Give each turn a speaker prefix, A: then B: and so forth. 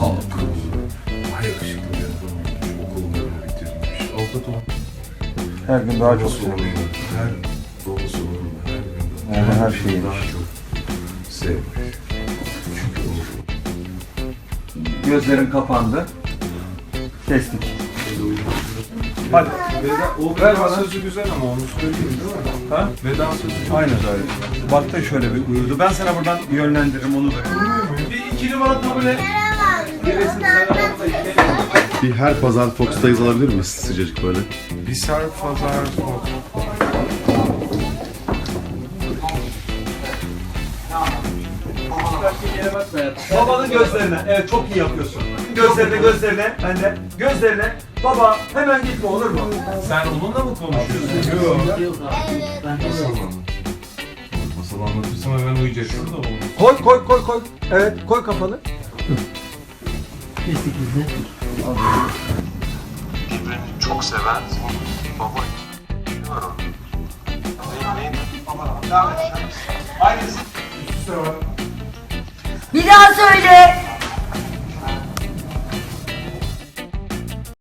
A: Halkı. Daha yakışıklı bir adam olmuş. Okulunu bitirmiş. Avukat olmuş.
B: Her gün daha çok
A: Babası
B: seviyorum.
A: oğlunu, babası oğlunu her gün
B: Yani her şeyi
A: daha çok sevmiş. Çünkü
B: Gözlerin kapandı. Kestik. Hadi.
A: Veda sözü güzel ama onu söyleyeyim değil mi?
B: Ha?
A: Veda sözü çok
B: Aynen öyle. Baktın şöyle bir uyudu. Ben sana buradan yönlendiririm onu da. Bir ikili bana kabul et. Gerisini sen
C: Bir her pazar Fox'tayız alabilir miyiz sıcacık böyle?
A: Bir sarp pazar
B: Babanın gözlerine. Evet çok iyi yapıyorsun. Gözlerine. Ben de. Gözlerine. Baba hemen gitme olur mu?
A: Sen onunla mı konuşuyorsun? Yok. Masal anlatırsam hemen uyuyacak. Şurada olur.
B: Koy. Evet koy kafanı.
D: Birbirini çok seven baba var orada. Neydi?
B: Aynısı.
E: Bir daha söyle.